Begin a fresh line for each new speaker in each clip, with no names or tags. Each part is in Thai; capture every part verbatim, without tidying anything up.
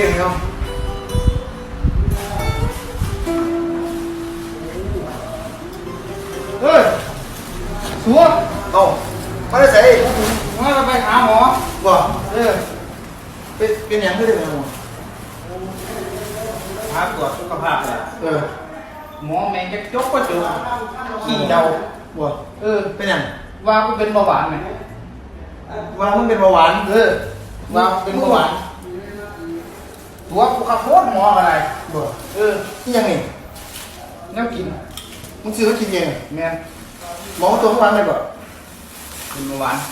ก่งเนาะเฮ้ยสัวเอ้าไม่ได้ใส่ไม่ได้ไปหาหมอบ่เออเป็นเป็นอย่างที่ได้ไหมหมอหาตรวจสุขภาพเลยเออหมอแมงจะจกก็จุกขี้เดาบ่เออเป็นอย่างว่ากูเป็นเบาหวานไหมว่ามึงเป็นเบาหวานเออว่าเป็นเบาหวานตัวกูขับรถหมออะไรบ่เออที่ยังไงน้ำกินมึงซื้อมากินยังแม่หมอตัวเบาหวานเลยบ่เป็นเบาหวาน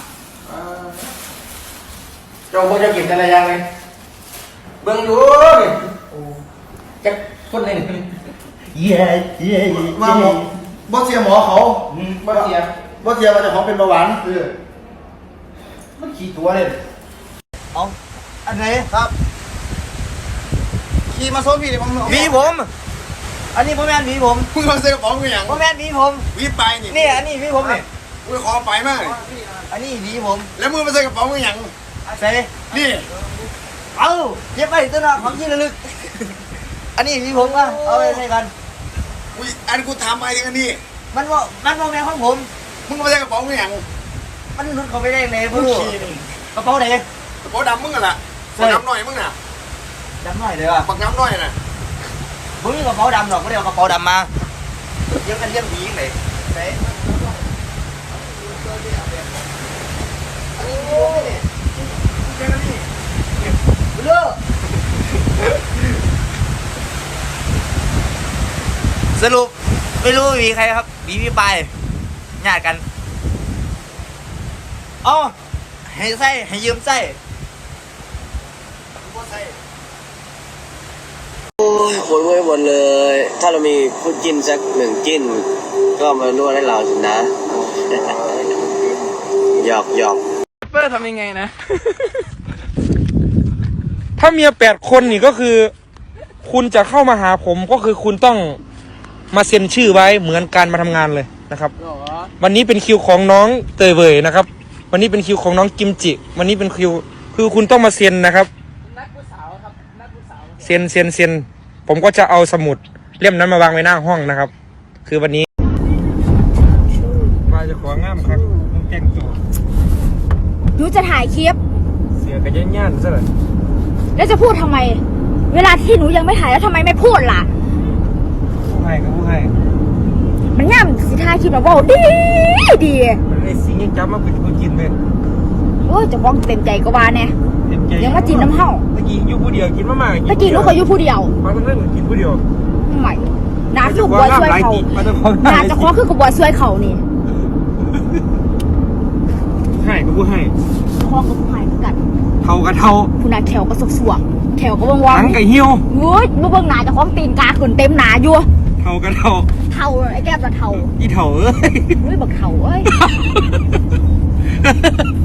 เจ้าบ่จะกินอะไรยังไงเบิ่งดูนี่จะคนไหนเย้เย้มาหมอบ่เสียหมอเขาบ่เสียบ่เสียว่าเจ้าของเป็นเบาหวานเออมันขี่ตัวเลยเอาอันไหนครับขี่มาโซนพี่เดี๋ยวผม
วีผมอันนี้พ่อแม่วีผม
มึงมาซื้อกระป๋องกูอย่าง
พ่อแม่วีผม
วีไปนี่
นี่อันนี้วีผมนี่
กูขอไปมาก
อันนี้วีผม
แล้วมึงมาซื้อกระป๋องกูอย่าง
ใส่
นี่
เอาเก็บไปตัวน่ะของที่ระลึกอันนี้วีผมก็เอาไปใส่กัน
กูอันกูทำไปถึงอันนี้
มันว่ามันพ่อแม่ของผม
มึงมาซื้อกระป๋องกูอย่าง
มันนุดเขาไปได้เลย
มึ
พ่อง ลูก
ขี่นี่
กระเป๋าไหน
กระป๋องดำมึงกันล่ะปักน้ำหน่อยมึงน่ะ
ดำหน่อยเลยว่ะ
ปักน้ำหน่อยน่ะ
ผมมีกระเป๋าดำหรอกไม่ได้เอากระเป๋าดำมาเยี่ยมกันเยี่ยมดียังไงใส่เลือสรุปไม่รู้มีใครครับมีพี่ปายญาติกันอ๋อให้ไส้ให้ยืมไส้
โอ้ยโวยหมดเลย ถ้าเรามีคู่จิ้นสักหนึ่งจิ้น ก็มานวดให้เราสินะ หยอกหยอก
เปอร์ทำยังไงนะ ถ้าเมียแปดคนนี่ก็คือ คุณจะเข้ามาหาผมก็คือคุณต้องมาเซ็นชื่อไว้เหมือนการมาทำงานเลยนะครับ วันนี้เป็นคิวของน้องเตยเวยนะครับ วันนี้เป็นคิวของน้องกิมจิ วันนี้เป็นคิวคือคุณต้องมาเซ็นนะครับเซ็นเซ็นเซ็นผมก็จะเอาสมุดเล่มนั้นมาวางไว้หน้าห้องนะครับ คือวันนี้มาจะของงามครับต้องแต่งตัว
หนูจะถ่ายคลิป
เสียกันย่านๆซะเลย
แล้วจะพูดทำไม เวลาที่หนูยังไม่ถ่ายแล้วทำไมไม่พูดล่ะ
ผู้ให้กับผู้ให้
มันง่ามสิถ่ายคลิปแบบว่าดีดี
มันเลยสิ่งยังจำมาเป็นผู้กินเลย
โอ้ยจะฟ้องเต็มใจก็ว่าแน่
เต็มใจ
ยังมาจีนน้ำเห่า
ตะกี้อยู่ผู้เดียวกินมากๆ
ตะกี้ลูกเขาอยู่ผู้เดียว
มาทั้งเรื่องกินผู้เดียว
ใหม่นาคือบัวช่วยเขา
มาทั้งความ
นาจะคว้าคือกับบัวช่วยเขานี่
ให้กับผู้ให้
คว้ากับผู้ชายเหมือนกัน
เท่ากับเท่า
ผู้นาแขวก็สกสวกแขวก็ว่างว่าง
ทั้งกับเหี่ยว
เฮ้ยเมื่อเบิ่งหนาจะคว้าตีนกาขึ้นเต็มหนาอยู่
เท่ากับเท่า
เท่าไอ้แก้มละเท่า
อีเท่าเอ้ย
เฮ้ยบักเท่าเอ้ย